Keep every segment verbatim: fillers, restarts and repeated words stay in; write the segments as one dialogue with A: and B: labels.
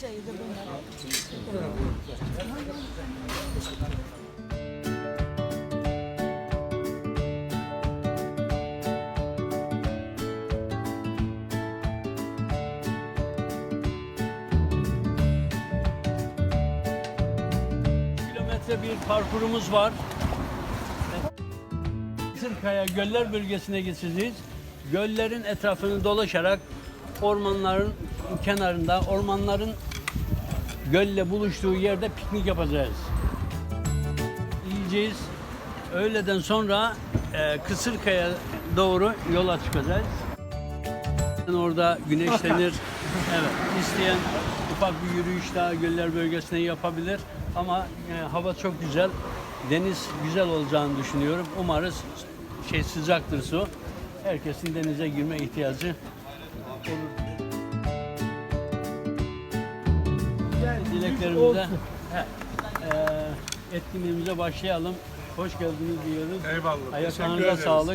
A: çayı da bunlar.
B: Kilometre bir parkurumuz var. Kısırkaya Göller bölgesine geçeceğiz. Göllerin etrafını dolaşarak ormanların kenarında, ormanların gölle buluştuğu yerde piknik yapacağız. Yiyeceğiz. Öğleden sonra e, Kısırkaya doğru yola çıkacağız. Orada güneşlenir. Evet, isteyen ufak bir yürüyüş daha Göller bölgesine yapabilir. Ama e, hava çok güzel. Deniz güzel olacağını düşünüyorum. Umarız şey sıcaktır su. Herkesin denize girme ihtiyacı olur. Dileklerimize, he, e, etkinliğimize başlayalım. Hoş geldiniz diyoruz.
C: Eyvallah.
B: Ayaklarınıza sağlık.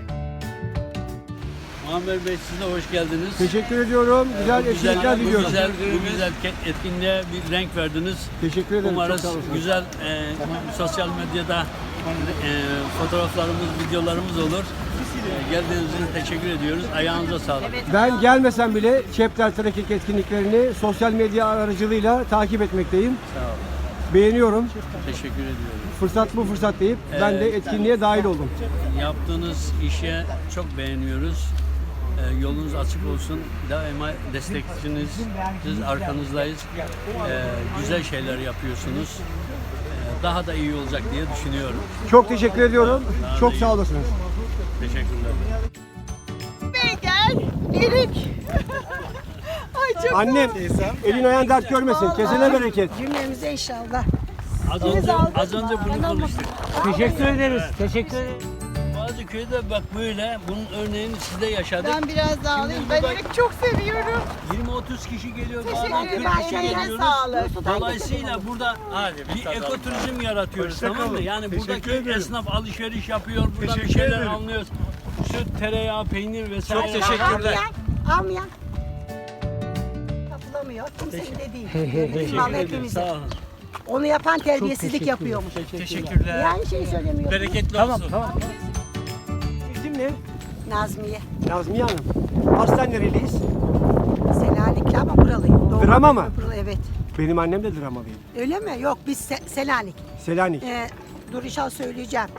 B: Muammer Bey, siz de hoş geldiniz.
D: Teşekkür ediyorum. Güzel
B: Bu güzel,
D: etkinlikler
B: bu
D: diliyorum.
B: güzel, bu güzel etkinliğe bir renk verdiniz.
D: Teşekkür ederim.
B: Umarız
D: Çok sağ olun.
B: güzel e, sosyal medyada e, fotoğraflarımız, videolarımız olur. E, geldiğiniz için teşekkür ediyoruz. Ayağınıza sağlık.
D: Ben gelmesem bile Çepler Trekking etkinliklerini sosyal medya aracılığıyla takip etmekteyim.
B: Sağ olun.
D: Beğeniyorum.
B: Teşekkür ediyorum.
D: Fırsat bu fırsat deyip ben de etkinliğe dahil oldum.
B: Yaptığınız işe çok beğeniyoruz. E, yolunuz açık olsun. Daima destekçiniz, biz arkanızdayız. E, güzel şeyler yapıyorsunuz. E, daha da iyi olacak diye düşünüyorum.
D: Çok teşekkür ediyorum.
B: Daha
D: Çok
B: da iyi.
D: sağ olasınız.
B: Teşekkürler.
A: Bey gel. Erik. Ay çok
D: Annem, elin ayağın dert görmesin. Kesene bereket.
A: Cümlemize inşallah.
B: Az önce, az önce bunu konuştuk.
D: Teşekkür ederiz. Teşekkür ederiz.
B: Bazı köyde bak böyle, bunun örneğini siz de yaşadık.
A: Ben biraz daha alayım.
B: Şimdi
A: Ben
B: bak-
A: erik çok seviyorum.
B: yirmi otuz kişi geliyor,
A: Teşekkür
B: bazen
A: ederim.
B: kırk kişi
A: Eline
B: geliyoruz.
A: sağlık.
B: Dolayısıyla burada bir ekoturizm yaratıyoruz, tamam mı? Yani buradaki esnaf alışveriş yapıyor, burada bir şeyler alıyoruz. Süt, tereyağı, peynir vesaire.
C: Çok teşekkürler.
A: Almayan, almayan. Yapılamıyor. Kimsenin de değil. Bizim
B: Teşekkür
A: mal
B: ederim,
A: hepimizin.
B: sağ olun.
A: Onu yapan terbiyesizlik yapıyormuş.
C: Teşekkürler.
A: Yani şeyi söylemiyorum.
C: Bereketli
D: Tamam,
C: olsun.
D: tamam. İsim ne?
A: Nazmiye.
D: Nazmiye Hanım. Aslen nereliyiz?
A: Selanikli ama buralıyım. Doğma
D: Drama mı?
A: büyüme buralı, evet.
D: Benim annem de dramalıyım.
A: Öyle mi? Yok biz Se- Selanik.
D: Selanik.
A: Ee, dur inşallah söyleyeceğim.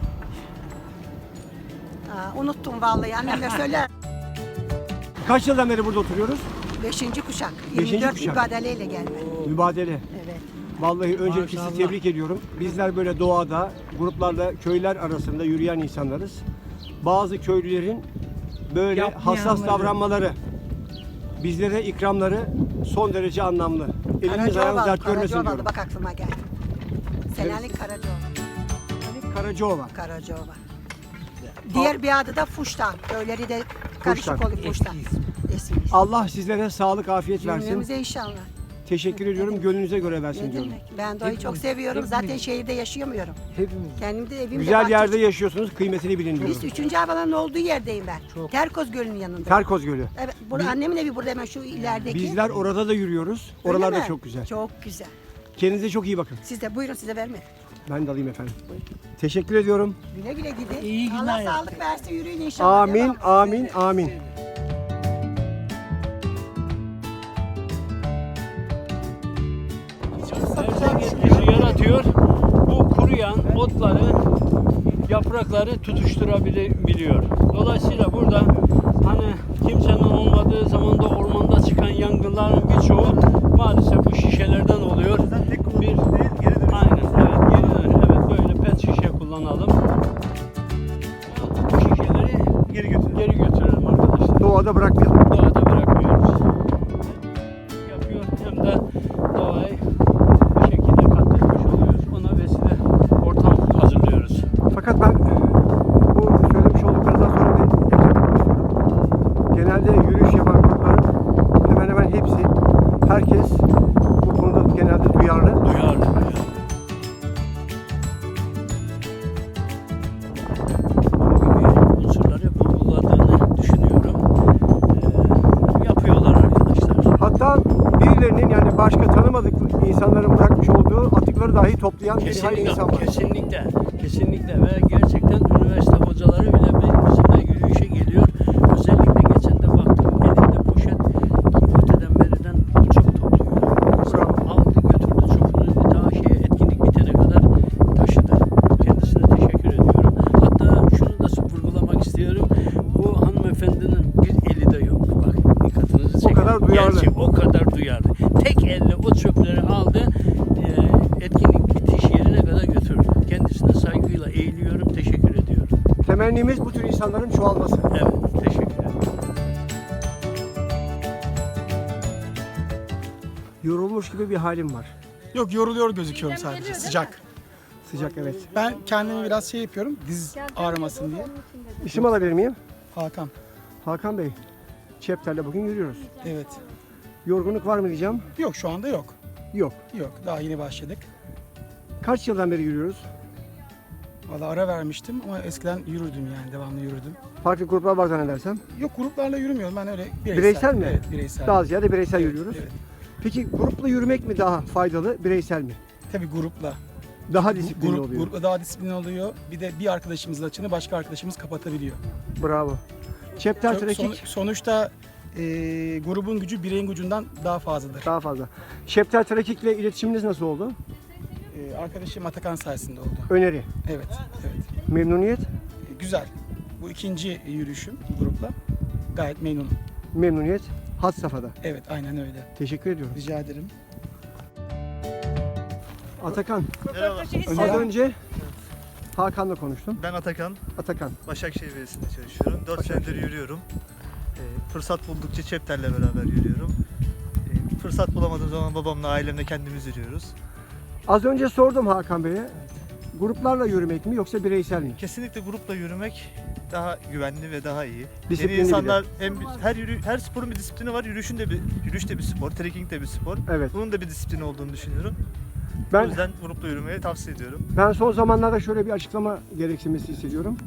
A: Aa, unuttum vallahi annemler söyler.
D: Kaç yıldan beri burada oturuyoruz?
A: Beşinci kuşak.
D: Beşinci
A: yirmi dört
D: kuşak.
A: ibadeleyle gelme.
D: Mübadele.
A: Evet.
D: Vallahi öncelikle sizi tebrik ediyorum. Bizler böyle doğada, gruplarla, köyler arasında yürüyen insanlarız. Bazı köylülerin böyle hassas davranmaları, bizlere ikramları son derece anlamlı. Eliniz ayağınız
A: Karacaovalı,
D: dert görmesin
A: Karacaovalı
D: diyorum.
A: bak aklıma geldi. Selanik Karacaovalı.
D: Karacaova.
A: Karacaova. Diğer bir adı da Fuştan. Köyleri de karışık
D: Fuştan.
A: oluyor Fuştan. Eski.
D: Allah sizlere sağlık, afiyet versin.
A: Cümlemize inşallah.
D: Teşekkür ediyorum. Gönlünüze göre versin
A: Ne
D: diyorum.
A: demek? Ben doğayı çok seviyorum. Zaten şehirde yaşayamıyorum.
D: Hepimiz.
A: Kendim de evimde
D: Güzel
A: bahçe-
D: yerde yaşıyorsunuz. Kıymetini bilin diyorum.
A: Biz üçüncü havalanın olduğu yerdeyim ben. Terkoz Gölü'nün yanında.
D: Terkoz Gölü.
A: Evet, burada annemin evi burada hemen şu ilerideki.
D: Bizler orada da yürüyoruz.
A: Öyle
D: Oralar da
A: mi?
D: çok güzel.
A: Çok güzel.
D: Kendinize çok iyi bakın.
A: Siz de buyurun size verme.
D: Ben de alayım efendim. Teşekkür ediyorum.
A: Güle güle gidin.
B: İyi günler
A: Allah
B: ya.
A: sağlık versin yürüyün inşallah.
D: Amin,
A: Devam.
D: amin, amin.
B: Erzak etkisi yaratıyor. Bu kuruyan otları, yaprakları tutuşturabiliyor. Dolayısıyla burada hani kimsenin olmadığı zaman da ormanda çıkan yangınların birçoğu maalesef bu şişelerden oluyor. Bir, aynen, evet, geri dön. Evet, böyle pet şişe kullanalım. Bu şişeleri
C: Geri götür.
B: geri götürelim arkadaşlar.
D: Doğada bırakmayalım.
B: Doğada bırakmıyoruz. Yapıyor hem de doğayı bir şekilde katletmiş oluyoruz. Ona vesile ortam hazırlıyoruz.
D: Fakat ben bu söylemiş olduklarınızdan sonra bir eklemek istiyorum. Genelde yürüyüş yapan grupların hemen hemen hepsi, herkes bu konuda genelde duyarlı.
B: Duyarlı. Unsurları vurguladığını düşünüyorum. Ee, yapıyorlar arkadaşlar.
D: Hatta birileri birilerinin yani başka tanımadık insanların bırakmış olduğu atıkları dahi toplayan bir hayli insan var.
B: Kesinlikle, kesinlikle ve gerçekten üniversite hocaları bile bizimle yürüyüşe geliyor. Özellikle geçen de baktım elinde poşet öteden beriden çöp topluyor. Aldı götürdü çöpünü daha şeye etkinlik bitene kadar taşıdı. Kendisine teşekkür ediyorum. Hatta şunu da vurgulamak istiyorum. Bu hanımefendinin bir eli de yok. Bak dikkatinizi çekin.
D: O kadar duyarlı.
B: Gerçi o kadar duyarlı. Tek elle o çöpleri aldı. E, etkinlik bitiş yerine kadar götürdü. Kendisine saygıyla eğiliyorum, teşekkür ediyorum.
D: Temennimiz bu tür insanların çoğalması.
B: Evet, teşekkür ederim.
D: Yorulmuş gibi bir halim var.
C: Yok, yoruluyor gözüküyorum sadece. Sıcak.
D: Sıcak, evet.
C: Ben kendimi biraz şey yapıyorum. Diz ağrımasın diye.
D: İsim alabilir miyim?
C: Hakan.
D: Hakan Bey. Çepter'le bugün yürüyoruz.
C: Evet.
D: Yorgunluk var mı diyeceğim?
C: Yok, şu anda yok.
D: Yok.
C: Yok, daha yeni başladık.
D: Kaç yıldan beri yürüyoruz?
C: Valla ara vermiştim ama eskiden yürürdüm yani, devamlı yürüdüm.
D: Farklı gruplar var zannedersem.
C: Yok, gruplarla yürümüyorum ben, öyle bireysel.
D: Bireysel mi?
C: Evet, bireysel.
D: Daha ziyade bireysel
C: Evet,
D: yürüyoruz.
C: Evet.
D: Peki grupla yürümek mi daha faydalı, bireysel mi?
C: Tabii grupla.
D: Daha disiplinli
C: Grup,
D: oluyor.
C: grupla daha disiplin oluyor. Bir de bir arkadaşımızın açığını başka arkadaşımız kapatabiliyor.
D: Bravo. Chapter
C: Çok-
D: Trekking
C: son- sonuçta e, grubun gücü bireyin gücünden daha fazladır.
D: daha fazla. Chapter Trekking ile iletişiminiz nasıl oldu?
C: E, arkadaşım Atakan sayesinde oldu.
D: Öneri,
C: Evet, evet.
D: memnuniyet,
C: E, güzel. Bu ikinci yürüyüşüm bu grupla. Gayet memnunum.
D: memnuniyet, had safhada.
C: Evet, aynen öyle.
D: Teşekkür ediyorum.
C: Rica ederim.
D: Atakan, az
C: Selam.
D: önce Hakan'la konuştum.
E: Ben Atakan,
D: Atakan,
E: Başakşehir Belediyesi'nde çalışıyorum. dört senedir yürüyorum. Ee, fırsat buldukça Çepter'le beraber yürüyorum. Ee, fırsat bulamadığım zaman babamla, ailemle kendimiz yürüyoruz.
D: az önce sordum Hakan Bey'e. Gruplarla yürümek mi yoksa bireysel mi?
E: Kesinlikle grupla yürümek daha güvenli ve daha iyi.
D: Disiplinli
E: Yeni insanlar hem bir- her yürü, her sporun bir disiplini var. Yürüyüşün de bir yürüyüş de bir spor, trekking de bir spor.
D: Evet.
E: Bunun da bir disiplini olduğunu düşünüyorum. O
D: Ben
E: yüzden grupla yürümeyi tavsiye ediyorum.
D: ben son zamanlarda şöyle bir açıklama gereksinmesi hissediyorum.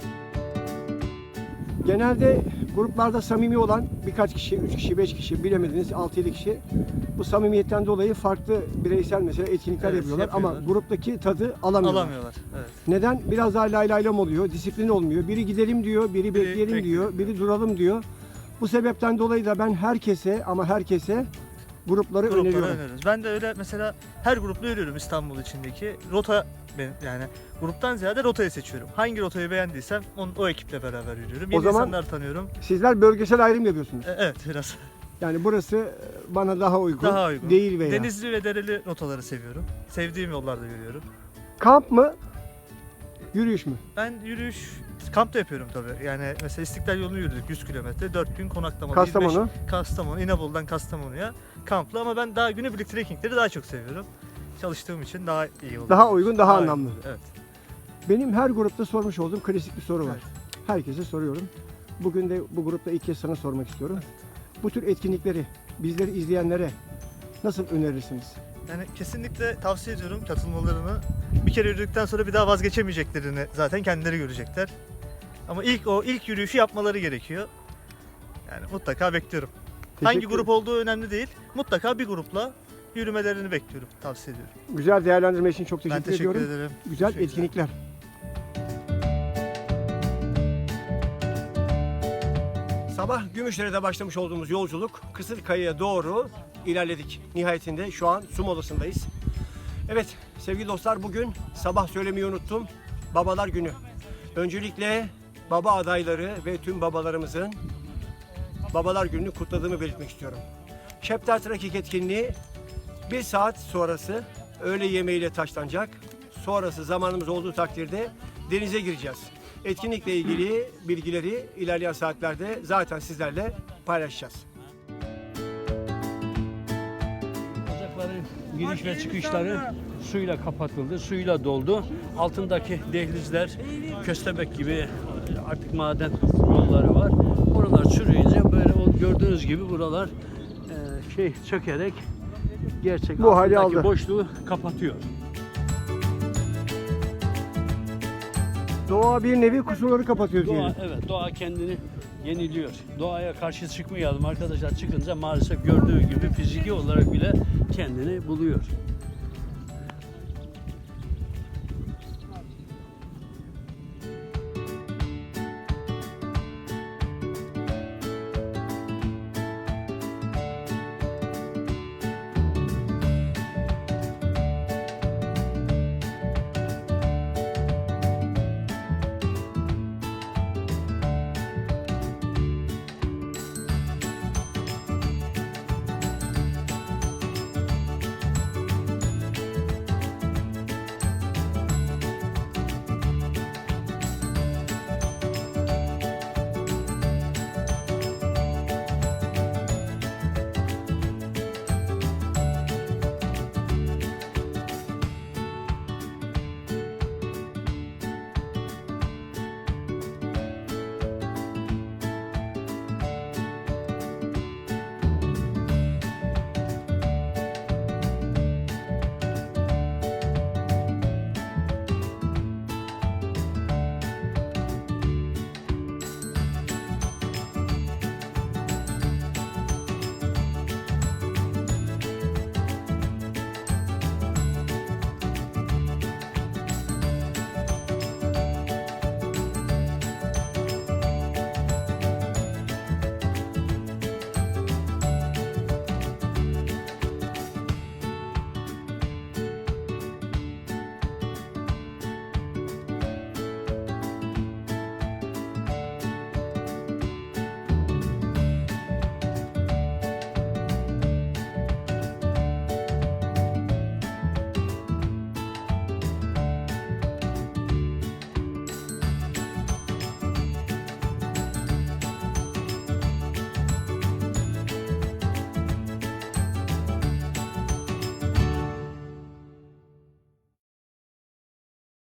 D: Genelde gruplarda samimi olan birkaç kişi, üç kişi, beş kişi, bilemediniz altı yedi kişi bu samimiyetten dolayı farklı bireysel mesela etkinlikler
E: Evet,
D: yapıyorlar ama
E: yapıyorlar.
D: gruptaki tadı alamıyorlar.
E: Alamıyorlar. Evet.
D: Neden? Biraz daha lay laylam oluyor, disiplin olmuyor. Biri gidelim diyor, biri, bekleyelim
E: bekliyor.
D: diyor, biri duralım diyor. Bu sebepten dolayı da ben herkese ama herkese grupları
E: Gruplara
D: öneriyorum.
E: öneriyoruz. Ben de öyle mesela her grupla yürüyorum İstanbul içindeki. Rota benim yani gruptan ziyade rotayı seçiyorum. Hangi rotayı beğendiysem on, o ekiple beraber yürüyorum.
D: O
E: Yeni
D: zaman-
E: insanlar tanıyorum.
D: Sizler bölgesel ayrım yapıyorsunuz.
E: E, evet biraz.
D: Yani burası bana daha uygun,
E: Daha uygun.
D: değil veya.
E: Denizli ve dereli rotaları seviyorum. Sevdiğim yollarda yürüyorum.
D: Kamp mı? Yürüyüş mü?
E: Ben yürüyüş kamp da yapıyorum tabii. Yani mesela İstiklal yolunu yürüdük yüz kilometre. dört gün konaklamalı.
D: Kastamonu.
E: yirmi beş Kastamonu, İnebolu'dan Kastamonu'ya kamplı ama ben daha günübirlik trekkingleri daha çok seviyorum. Çalıştığım için daha iyi oluyor.
D: Daha uygun, daha
E: iyi
D: anlamlı.
E: oluyor, Evet.
D: Benim her grupta sormuş olduğum klasik bir soru var.
E: Evet.
D: Herkese soruyorum. Bugün de bu grupta ilk kez sana sormak istiyorum. Bu tür etkinlikleri bizleri izleyenlere nasıl önerirsiniz?
E: Yani kesinlikle tavsiye ediyorum katılmalarını. Bir kere yürüdükten sonra bir daha vazgeçemeyeceklerini zaten kendileri görecekler. Ama ilk o ilk yürüyüşü yapmaları gerekiyor. Yani mutlaka bekliyorum. Hangi
D: Teşekkür-
E: grup olduğu önemli değil. Mutlaka bir grupla yürümelerini bekliyorum. Tavsiye ediyorum.
D: Güzel değerlendirme için çok teşekkür,
E: ben teşekkür
D: ediyorum.
E: ederim.
D: Güzel
E: Teşekkürler.
D: etkinlikler. Sabah Gümüşdere'de başlamış olduğumuz yolculuk Kısırkaya'ya doğru ilerledik. Nihayetinde şu an su molasındayız. Evet sevgili dostlar bugün sabah söylemeyi unuttum. Babalar Günü. Öncelikle baba adayları ve tüm babalarımızın Babalar Günü'nü kutladığımı belirtmek istiyorum. Chapter Trekking etkinliği bir saat sonrası öğle yemeğiyle taşlanacak. Sonrası zamanımız olduğu takdirde denize gireceğiz. Etkinlikle ilgili bilgileri ilerleyen saatlerde zaten sizlerle paylaşacağız.
B: Ocakların giriş ve çıkışları suyla kapatıldı, suyla doldu. Altındaki dehlizler köstebek gibi artık maden yolları var. Oralar çürüyünce böyle o gördüğünüz gibi buralar e, şey çökerek gerçek
D: Bu hali
B: altındaki
D: aldı.
B: boşluğu kapatıyor.
D: Doğa bir nevi kusurları kapatıyor
B: Doğa,
D: diyelim.
B: evet, doğa kendini yeniliyor. Doğaya karşı çıkmayalım arkadaşlar. Çıkınca maalesef gördüğü gibi fiziki olarak bile kendini buluyor.